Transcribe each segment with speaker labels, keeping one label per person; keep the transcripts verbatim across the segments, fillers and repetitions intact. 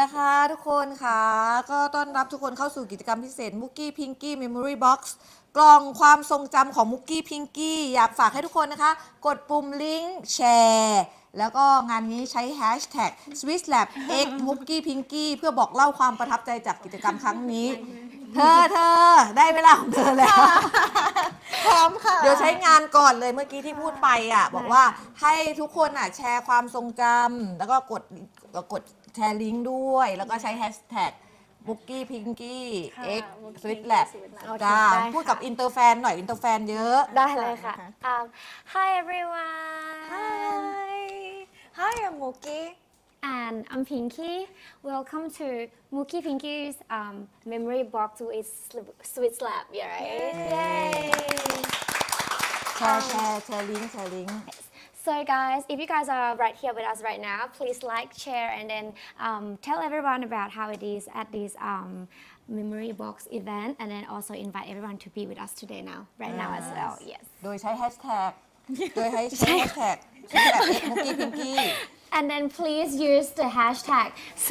Speaker 1: นะคะทุกคนค่ะก็ต้อนรับทุกคนเข้าสู่กิจกรรมพิเศษมุกกี้พิงกี้เมมโมรี่บ็อกซ์กล่องความทรงจำของมุกกี้พิงกี้อยากฝากให้ทุกคนนะคะกดปุ่มลิงก์แชร์แล้วก็งานนี้ใช้แฮชแท็ก swisslab x muki pinky เพื่อบอกเล่าความประทับใจจากกิจกรรมครั้งนี้เธอเธอได้เวลาของเธอแล้ว
Speaker 2: พร้อมค่ะ
Speaker 1: เดี๋ยวใช้งานก่อนเลยเมื่อกี้ที่พูดไปอ่ะบอกว่าให้ทุกคนอ่ะแชร์ความทรงจำแล้วก็กดกดแชร์ลิงก์ด้วยแล้วก็ใช้แฮชแท็กบุกกี้พิงกี้ x sweet lab จ้าพูดกับอินเตอร์แฟนหน่อยอินเตอร์แฟนเยอะ
Speaker 3: ได้เลยค่ะ um, Hi everyone
Speaker 2: Hi Hi I'm Muki
Speaker 3: and I'm Pinky welcome to Muki Pinky's um, memory box with Sweet Lab yeah right yay
Speaker 1: แชร์แชร์แชร์ลิงก์แชร์ลิงก์
Speaker 3: So guys, if you guys are right here with us right now, please like, share, and then um, tell everyone about how it is at this um, memory box event, and then also invite everyone to be with us today now, right now as well. Yes.
Speaker 1: โดยใช้แฮชแท็กโดยใช้แฮชแท็กมุกกี้พิงกี้
Speaker 3: And then please use the hashtag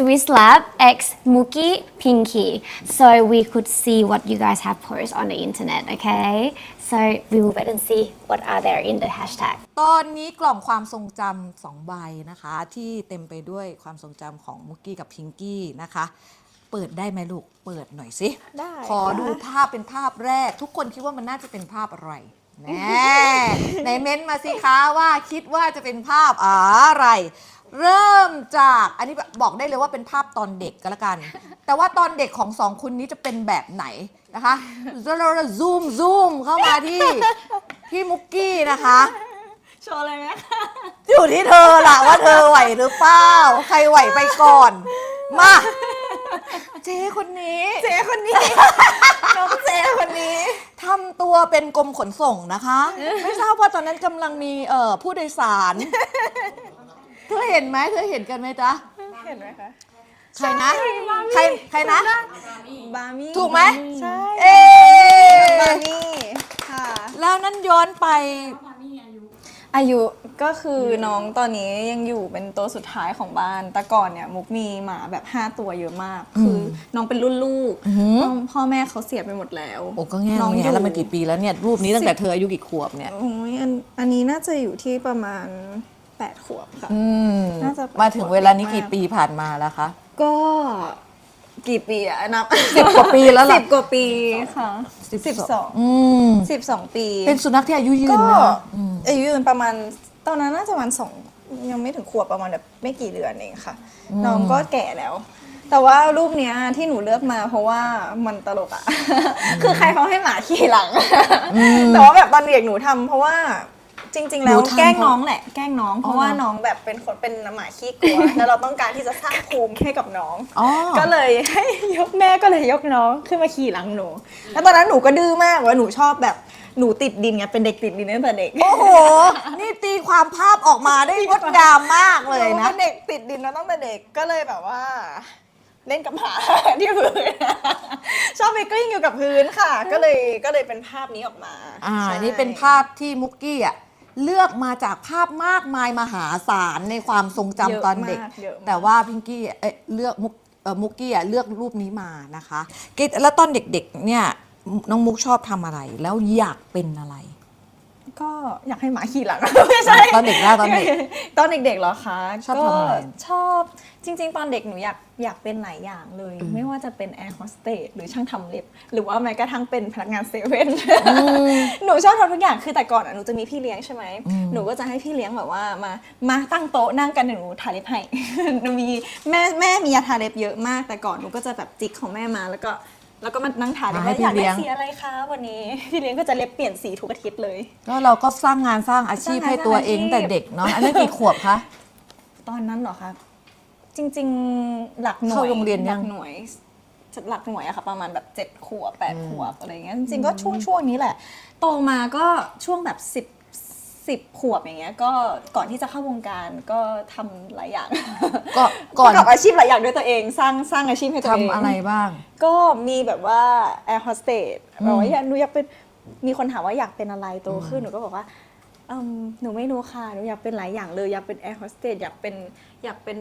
Speaker 3: SwissLabXMukiPinky so we could see what you guys have posted on the internet, okay? So we will wait and see what are there in the hashtag.
Speaker 1: ตอนนี้กล่องความทรงจำสองใบนะคะที่เต็มไปด้วยความทรงจำของมุกกี้กับพิงกี้นะคะเปิดได้ไหมลูกเปิดหน่อยสิ
Speaker 2: ได้
Speaker 1: ขอดูภาพเป็นภาพแรกทุกคนคิดว่ามันน่าจะเป็นภาพอะไรแน่ในเม้นต์มาสิคะว่าคิดว่าจะเป็นภาพอะไรเริ่มจากอันนี้บอกได้เลยว่าเป็นภาพตอนเด็กก็แล้วกันแต่ว่าตอนเด็กของสองคนนี้จะเป็นแบบไหนนะคะเราเราซูมซูมเข้ามาที่ที่มุกกี้นะคะ
Speaker 2: โชว์เลยไหมคะ
Speaker 1: อยู่ที่เธอล่ะว่าเธอไหวหรือเปล่าใครไหวไปก่อนมาเจ๊คนนี้
Speaker 2: เจ๊คนนี้น้องเจ๊คนนี้
Speaker 1: ทำตัวเป็นกรมขนส่งนะคะไม่ทราบว่าตอนนั้นกำลังมีเอ่อผู้โดยสารเธอเห็นไหมเธอเห็นกันไหมจ๊ะ
Speaker 2: เห็นไหมคะ
Speaker 1: ใครนะใครใครนะ
Speaker 2: บามี่
Speaker 1: ถูกไหม
Speaker 2: ใช่
Speaker 1: เอ๊
Speaker 2: บามี่ค่ะ
Speaker 1: แล้วนั้นย้อนไป
Speaker 2: อายุก็คือน้องตอนนี้ยังอยู่เป็นตัวสุดท้ายของบ้านแต่ก่อนเนี่ยมุกมีหมาแบบห้าตัวเยอะมากคือน้องเป็นรุ่นลูกพ่อแม่เขาเสียไปหมดแล้ว
Speaker 1: โอ้ก็แง่น้องแง่แล้วมันกี่ปีแล้วเนี่ยรูปนี้ตั้งแต่เธออายุกี่ขวบเนี่ย
Speaker 2: โอ้ยอันอันนี้น่าจะอยู่ที่ประมาณแปดขวบค่ะ
Speaker 1: น่าจะมาถึงเวลานี้กี่ปีผ่านมาแล้วคะ
Speaker 2: ก็กี่ปีอะนับ
Speaker 1: สิบกว่าปีแล้วล่ะ
Speaker 2: สิบกว่าปีค่ะสิบสองสิบสองปี
Speaker 1: เป็นสุนัขที่อายุยืนนะ
Speaker 2: อายุยืนประมาณตอนนั้นน่าจะประมาณสองยังไม่ถึงขวบประมาณแบบไม่กี่เดือนเองค่ะน้องก็แก่แล้ว แต่ว่ารูปเนี้ยที่หนูเลือกมาเพราะว่ามันตลกอะคือใครเขาให้หมาขี่หลังแต่ว่าแบบตอนเด็กหนูทำเพราะว่าจริงๆแล้วแกล้งน้องแหละแกล้งน้องเพราะว่าน้องแบบเป็นคนเป็นหมาขี้กลัวแล้วเราต้องการที่จะสร้างภูมิให้กับน้องก็เลยให้ยกแม่ก็เลยยกน้องขึ้นมาขี่หลังหนูแล้วตอนนั้นหนูก็ดื้อมากว่าหนูชอบแบบหนูติดดินไงเป็นเด็กติดดินตั้งแต่เด็ก
Speaker 1: โอ้โหนี่ตีความภาพออกมาได้งดงามมากเลยนะ
Speaker 2: เด็กติดดินมาตั้งแต่เด็กก็เลยแบบว่าเล่นกับหมาที่พื้นชอบไปกลิ้งอยู่กับพื้นค่ะก็เลยก็เลยเป็นภาพนี้ออกมา
Speaker 1: อ่านี่เป็นภาพที่มุกกี้อ่ะเลือกมาจากภาพมากมายมหาศาลในความทรงจำตอนเด็กแต่ว่าพิงกี้เอ๊ะเลือกมุกเอ่อมุกกี้อ่ะเลือกรูปนี้มานะคะแล้วตอนเด็กๆเนี่ยน้องมุกชอบทำอะไรแล้วอยากเป็นอะไร
Speaker 2: ก็อยากให้หมาขี่หลังไม่ใช่
Speaker 1: ตอนเด็กแล้วตอนเด็ก
Speaker 2: ตอนเด็กๆเหรอคะ
Speaker 1: ชอบทำอะไร
Speaker 2: ชอบจริงๆตอนเด็กหนูอยากอยากเป็นหลายอย่างเลยไม่ว่าจะเป็นแอร์โฮสเตสหรือช่างทำเล็บหรือว่าแม้กระทั่งเป็นพนักงานเซเว่นหนูชอบทำทุกอย่างคือแต่ก่อนหนูจะมีพี่เลี้ยงใช่ไหมหนูก็จะให้พี่เลี้ยงแบบว่ามามาตั้งโต๊ะนั่งกันหนูทาเล็บให้หนูมีแม่แม่มียาทาเล็บเยอะมากแต่ก่อนหนูก็จะแบบจิกของแม่มาแล้วก็แล้วก็มานั่งถามว่าอยากได้สีอะไรคะวันนี้พี่เลี้ยงก็จะเล็บเปลี่ยนสีทุกอาทิตย์เลย
Speaker 1: ก็เราก็สร้างงานสร้างอาชีพให้ตัวเองแต่เด็กเนาะอันนั้นกี่ขวบคะ
Speaker 2: ตอนนั้นเหรอคะจริงๆหลักหน่วยเข้า
Speaker 1: โรงเรียนยัง
Speaker 2: หลักหน่วยหลักหน่วยอะค่ะประมาณแบบเจ็ดขวบแปดขวบอะไรเงี้ยจริงๆก็ช่วงช่วงนี้แหละโตมาก็ช่วงแบบสิบสิบขวบอย่างเงี้ยก็ก่อนที่จะเข้าวงการก็ทำหลายอย่าง
Speaker 1: ก็ก่อน
Speaker 2: กับอาชีพหลายอย่างด้วยตัวเองสร้างสร้างอาชีพให้ตัวเอง
Speaker 1: ทำอะไรบ้าง
Speaker 2: ก็มีแบบว่าแอร์โฮสเตสแบบว่าหนูอยากเป็นมีคนถามว่าอยากเป็นอะไรโตขึ้นหนูก็บอกว่าหนูไม่รู้ค่ะหนูอยากเป็นหลายอย่างเลยอยากเป็นแอร์โฮสเตสอยากเป็นอยากเป็นแบบ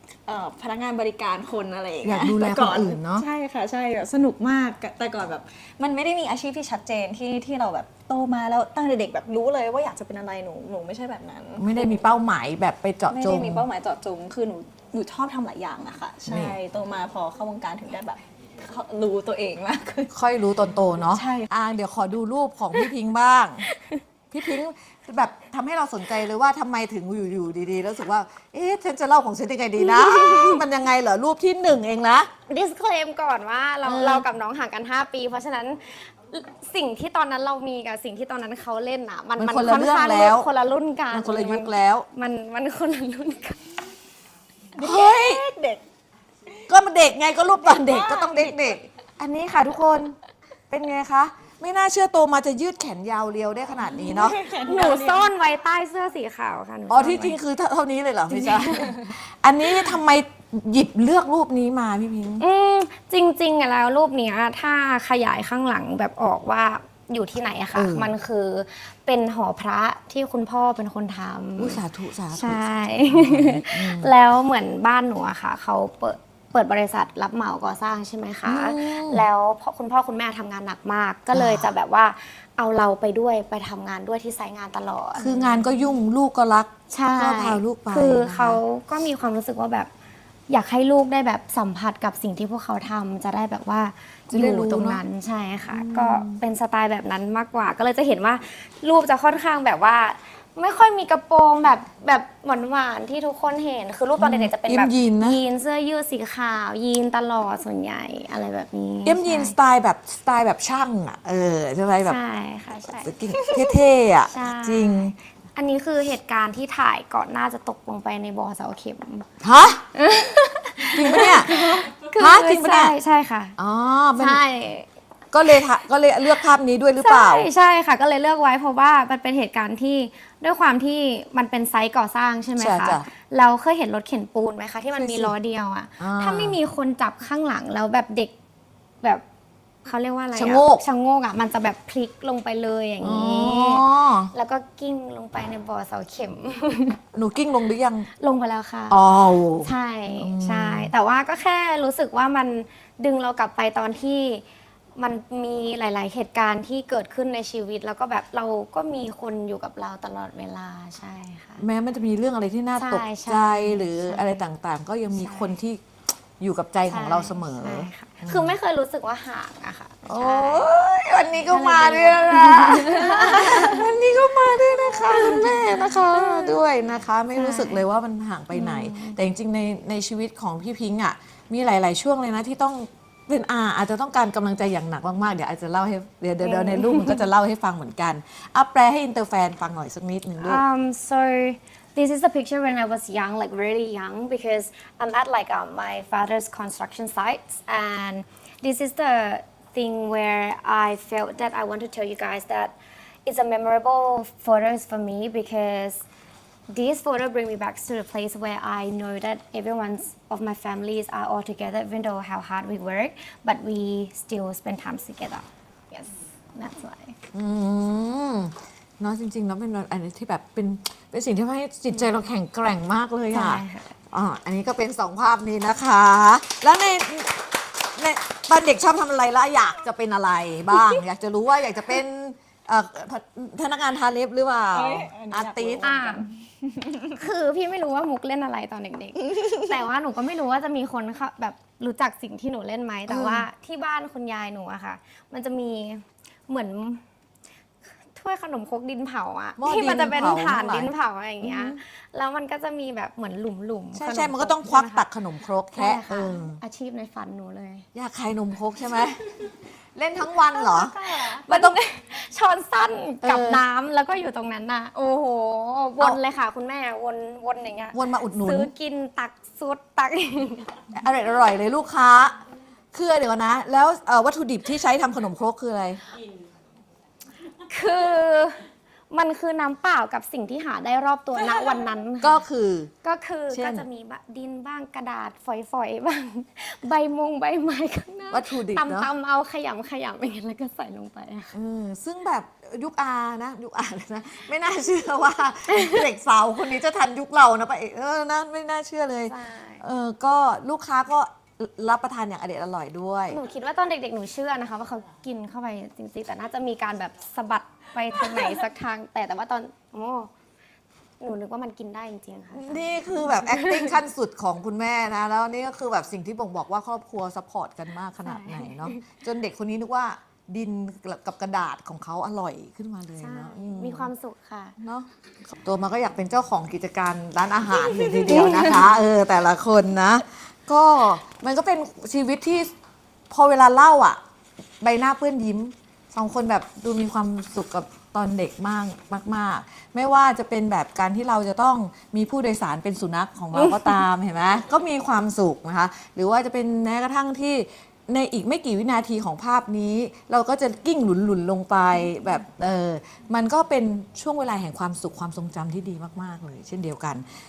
Speaker 2: เอ่อพนักงานบริการคนอะไรอย่าง
Speaker 1: อยา
Speaker 2: เงี้
Speaker 1: ก
Speaker 2: ย
Speaker 1: ดูแล
Speaker 2: แต่
Speaker 1: คนอื่นเนาะ
Speaker 2: ใช่ค่ะใช่แบบสนุกมากแต่ก่อนแบบมันไม่ได้มีอาชีพที่ชัดเจนที่ที่เราแบบโตมาแล้วตั้งแต่เด็กแบบรู้เลยว่าอยากจะเป็นอะไรหนูหนูไม่ใช่แบบนั้น
Speaker 1: ไม่ได้มีเป้าหมายแบบไปเจาะ
Speaker 2: ไม่
Speaker 1: จ
Speaker 2: ได้
Speaker 1: ง
Speaker 2: มีเป้าหมายเจาะจงคือหนูหนูชอบทำหลายอย่างอะค่ะ
Speaker 1: นี่
Speaker 2: ใช่โตมาพอเข้าวงการถึงได้แบบรู้ตัวเองมากขึ้น
Speaker 1: ค่อยรู้ตอนโตเนาะ
Speaker 2: ใช่
Speaker 1: อ่าเดี๋ยวขอดูรูปของพี่พิงค์บ้าง พี่พิงค์แบบทำให้เราสนใจเลยว่าทำไมถึงอยู่ๆดีๆแล้วรู้สึกว่า เอ๊ะฉันจะเล่าของฉันยังไงดีนะ มันยังไงเหรอรูปที่หนึ่งเองนะ
Speaker 3: disclaim ก่อนว่าเรา
Speaker 1: เออ
Speaker 3: เรากับน้องห่างกัน ห้า ปี เพราะฉะนั้นสิ่งที่ตอนนั้นเรามีกับสิ่งที่ตอนนั้นเขาเล่นอ่ะ มัน
Speaker 1: มันคนละ
Speaker 3: ค่อนข้าง
Speaker 1: เรื่องแล้ว
Speaker 3: คนละรุ่นกัน
Speaker 1: มันคนละยุคแล้ว
Speaker 3: มันมันคนละรุ่นกัน
Speaker 1: เฮ้ย
Speaker 2: เด็ก
Speaker 1: ก็มันเด็กไงก็รูปตอนเด็กก็ต้องเด็กๆ อันนี้ค่ะทุกคนเป็นไงคะ ไม่น่าเชื่อโตมาจะยืดแขนยาวเรียวได้ขนาดนี้เนาะ
Speaker 3: หนูซ่อนไว้ใต้เสื้อสีขาวค่ะหนู
Speaker 1: อ๋อ
Speaker 3: ซ่น
Speaker 1: ที่จริง
Speaker 3: ไว้
Speaker 1: คือเท่านี้เลยเหรอไม่ใช่ อันนี้ทำไมหยิบเลือกรูปนี้มาพี่พิงค์
Speaker 3: อืมจริงๆอะแล้วรูปเนี้ยถ้าขยายข้างหลังแบบออกว่าอยู่ที่ไหนอะค่ะ
Speaker 1: เออ
Speaker 3: มันคือเป็นหอพระที่คุณพ่อเป็นคนท
Speaker 1: อุย
Speaker 3: ำ
Speaker 1: สาธุสาธุ
Speaker 3: ใช่ แล้วเหมือนบ้านหนูอะค่ะเขาเปิดเปิดบริษัทรับเหมาก่อสร้างใช่ไหมคะ
Speaker 1: อืม
Speaker 3: แล้วพ่อคุณพ่อคุณแม่ทำงานหนักมาก ก็เลย
Speaker 1: อ่า
Speaker 3: จะแบบว่าเอาเราไปด้วยไปทำงานด้วยที่ไซต์งานตลอด
Speaker 1: คืองานก็ยุ่งลูกก็รัก
Speaker 3: ใช่
Speaker 1: ก็พาลูกไป
Speaker 3: คือ
Speaker 1: นะคะ
Speaker 3: เขาก็มีความรู้สึกว่าแบบอยากให้ลูกได้แบบสัมผัสกับสิ่งที่พวกเขาทำจะได้แบบว่า
Speaker 1: จะได้
Speaker 3: อยู่
Speaker 1: รู้
Speaker 3: ตรง
Speaker 1: เนอะ
Speaker 3: นั้นใช่ค่ะ ก็เป็นสไตล์แบบนั้นมากกว่า ก็เลยจะเห็นว่ารูปจะค่อนข้างแบบว่า ไม่ค่อยมีกระโปรงแบบแบบหวานๆที่ทุกคนเห็น คือรูปตอนเด็กๆจะเป็นแบบ
Speaker 1: ยีนนะ
Speaker 3: ยีนเสื้อยืดสีขาว ยีนตลอดส่วนใหญ่อะไรแบบนี้
Speaker 1: เอ็มยีนส
Speaker 3: ใช่
Speaker 1: ไตล์แบบสไตล์แบบช่างอ่ะเออใช่ไหมแบบ
Speaker 3: ใช่ค่ะใช่
Speaker 1: เท่ๆอ่ะ
Speaker 3: ใช่
Speaker 1: จริง
Speaker 3: อันนี้คือเหตุการณ์ที่ถ่ายก่อนหน้าจะตกลงไปในบ่อเสาเข็ม
Speaker 1: ฮะ จริงปะเนี่ย ฮะจริงปะเนี่ย
Speaker 3: ใช่ใช่ค่ะ
Speaker 1: อ๋อมัน
Speaker 3: ใช่
Speaker 1: ก็เลยทะก็เลยเลือกภาพนี้ด้วยหรือเปล่า
Speaker 3: ใช่ใช่ค่ะ ก็เลยเลือกไว้เพราะว่ามันเป็นเหตุการณ์ที่ด้วยความที่มันเป็นไซต์ก่อสร้างใช่ไหม
Speaker 1: ใช่
Speaker 3: คะ
Speaker 1: จ้ะ
Speaker 3: เราเคยเห็นรถเข็นปูนไหมคะที่มัน
Speaker 1: เคย
Speaker 3: มี
Speaker 1: สิ
Speaker 3: ล้อเดียวอะ
Speaker 1: อ่า
Speaker 3: ถ้าไม่มีคนจับข้างหลังแล้วแบบเด็กแบบเขาเรียกว่าอะไรอ
Speaker 1: ชะโงก
Speaker 3: ชะโงกอะมันจะแบบพลิกลงไปเลยอย่าง
Speaker 1: อ๋อ
Speaker 3: นี้ แล้วก็กิ้งลงไปในบ่อเสาเข็ม
Speaker 1: หนูกิ้งลงหรือยัง
Speaker 3: ลงไปแล้วค่ะ
Speaker 1: อ๋อ
Speaker 3: ใช่ใช่ แต่ว่าก็แค่รู้สึกว่ามันดึงเรากลับไปตอนที่มันมีหลาย ๆ เหตุการณ์ที่เกิดขึ้นในชีวิต แล้วก็แบบเราก็มีคนอยู่กับเราตลอดเวลาใช่ค่ะ
Speaker 1: แม้มันจะมีเรื่องอะไรที่น่า
Speaker 3: ใช่
Speaker 1: ตก
Speaker 3: ใช่
Speaker 1: ใจหรือ
Speaker 3: ใช่
Speaker 1: อะไรต่างๆ ก็ยังมี
Speaker 3: ใช่
Speaker 1: คนที่อยู่กับใจของเราเสมอ
Speaker 3: ใช่ค่ะคือไม่เคยรู้สึกว่าห่างอะค่ะ
Speaker 1: โอ้
Speaker 3: ใช่
Speaker 1: ยวันนี้ก็มาด้วยนะ วันนี้ก็มาด้วยนะคะคุณแม่นะคะด้วยนะคะ ไม่รู้สึกเลยว่ามันห่างไปไหน แต่จริงๆในในชีวิตของพี่พิงค์อ่ะมีหลาย ๆ ช่วงเลยนะที่ต้องเป็นอาอาจจะต้องการกำลังใจอย่างหนักมากๆเดี๋ยวอาจจะเล่าให้เดี๋ยวเดี๋ยวเดี๋ยวในรูปมันก็จะเล่าให้ฟังเหมือนกันเอาแปลให้อินเตอร์แฟนฟังหน่อยสักนิดหนึ่งลูก
Speaker 3: Um, so this is the picture when I was young, like really young, because I'm at like um, my father's construction sites, and this is the thing where I felt that I want to tell you guys that it's a memorable photos for me because these photos bring me back to the place where I know that everyone's of my families are all together, even though how hard we work, but we still spend time together. Yes, that's why.
Speaker 1: อืมเนาะจริงๆแล้วเป็นอันนี้ที่แบบเป็นเป็นสิ่งที่ทำให้จิตใจเราแข็งแกร่งมากเลยอ่ะ
Speaker 3: ใช่ค่ะ
Speaker 1: อ่าอันนี้ก็เป็นสองภาพนี้นะคะ แล้วในในตอนเด็กชอบทำอะไรแล้วอยากจะเป็นอะไรบ้าง อยากจะรู้ว่าอยากจะเป็นเอ่อพพนักงานทาเล็บหรือเปล่า
Speaker 2: เอ้ยอันนี้
Speaker 1: อา
Speaker 2: อยากรู้
Speaker 1: ร์ติส
Speaker 3: อ่า คือพี่ไม่รู้ว่ามุกเล่นอะไรตอนเด็กๆ แต่ว่าหนูก็ไม่รู้ว่าจะมีคนเข้าแบบรู้จักสิ่งที่หนูเล่นไหม แต่ว่าที่บ้านคุณยายหนูอะค่ะ มันจะมีเหมือนถ้วยขนมครกดินเผาอะ
Speaker 1: หม้อ
Speaker 3: ที่มันจะเป็น
Speaker 1: ดินเผา
Speaker 3: ฐาน
Speaker 1: ทั้งหลาย
Speaker 3: ดินเผาอะไรอย่างเงี้ย แล้วมันก็จะมีแบบเหมือนหลุมๆ
Speaker 1: ใช่
Speaker 3: ข
Speaker 1: ใช่
Speaker 3: ม
Speaker 1: มันก็ต้องควัก
Speaker 3: ใช่ไห
Speaker 1: ตักขนมครก
Speaker 3: ใช่
Speaker 1: แคะเอ
Speaker 3: ค่ะ
Speaker 1: อ
Speaker 3: อาชีพในฝันหนูเลย
Speaker 1: อยากขายนมครกใช่ไหม เล่นทั้งวันเหรอ
Speaker 3: มันต้อง ช้อนสั้นกับ
Speaker 1: เออ
Speaker 3: น้ำแล้วก็อยู่ตรงนั้นน่ะ โอ้โห วนเลยค่ะ คุณแม่วนวนอย่างเงี้ย
Speaker 1: วนมาอุดหนุน
Speaker 3: ซื้อกินตักซุดตัก
Speaker 1: อร่อยอร่อยเลยลูกค้าคือเดี๋ยวนะ แล้วเอ่อวัตถุดิบที่ใช้ทำขนมครกคืออะไร
Speaker 3: คือมันคือน้ำเปล่ากับสิ่งที่หาได้รอบตัวณวันนั้นค่ะ
Speaker 1: ก็คือ
Speaker 3: ก็คือ
Speaker 1: เช่น
Speaker 3: ก็จะมีบะดินบ้างกระดาษฝอยๆบ้าง ใบมงใบไม้ข้างหน้า
Speaker 1: วัตถุดิบเนอะ
Speaker 3: ตำๆเอาขยำขยำอย่างเงี้ยแล้วก็ใส่ลงไปอะค่ะ
Speaker 1: เออซึ่งแบบยุคอานะยุคอาเลยนะไม่น่าเชื่อว่า เด็กสาวคนนี้จะทันยุคเรานะปะเอกเออนะไม่น่าเชื่อเลย
Speaker 3: ใช่
Speaker 1: เออก็ลูกค้าก็รับประทานอย่างอเด็ดอร่อยด้วย
Speaker 3: หนูคิดว่าตอนเด็กๆ หนูเชื่อนะคะว่าเขากินเข้าไปจริงๆ แต่น่าจะมีการแบบสะบัดไปทางไหนสักทาง แต่แต่ว่าตอนโอ้หนูนึกว่ามันกินได้จริงๆ ค่ะ
Speaker 1: นี่คือแบบ acting ขั้นสุดของคุณแม่นะ แล้วนี่ก็คือแบบสิ่งที่บ่งบอกว่าครอบครัวซัพพอร์ตกันมากขนาดไหนเนาะจนเด็กคนนี้นึกว่าดินกับกระดาษของเขาอร่อยขึ้นมาเลย
Speaker 3: ใช่
Speaker 1: เนาะอื
Speaker 3: มีความสุขค่ะ
Speaker 1: เนาะตัวมาก็อยากเป็นเจ้าของกิจการร้านอาหารเลยทีเดียวนะคะ เออแต่ละคนนะ ก็มันก็เป็นชีวิตที่พอเวลาเล่าอ่ะ ใบหน้าเปื้อนยิ้มสองคนแบบดูมีความสุขกับตอนเด็กมากมาก ๆ ไม่ว่าจะเป็นแบบการที่เราจะต้องมีผู้โดยสารเป็นสุนัขของเราก็ตาม เห็นไหมก็มีความสุขนะคะ หรือว่าจะเป็นแม้กระทั่งที่ในอีกไม่กี่วินาทีของภาพนี้ เราก็จะกิ้งหลุนๆลงไปแบบเออมันก็เป็นช่วงเวลาแห่งความสุขความทรงจำที่ดีมากๆเลย เช่นเดียวกัน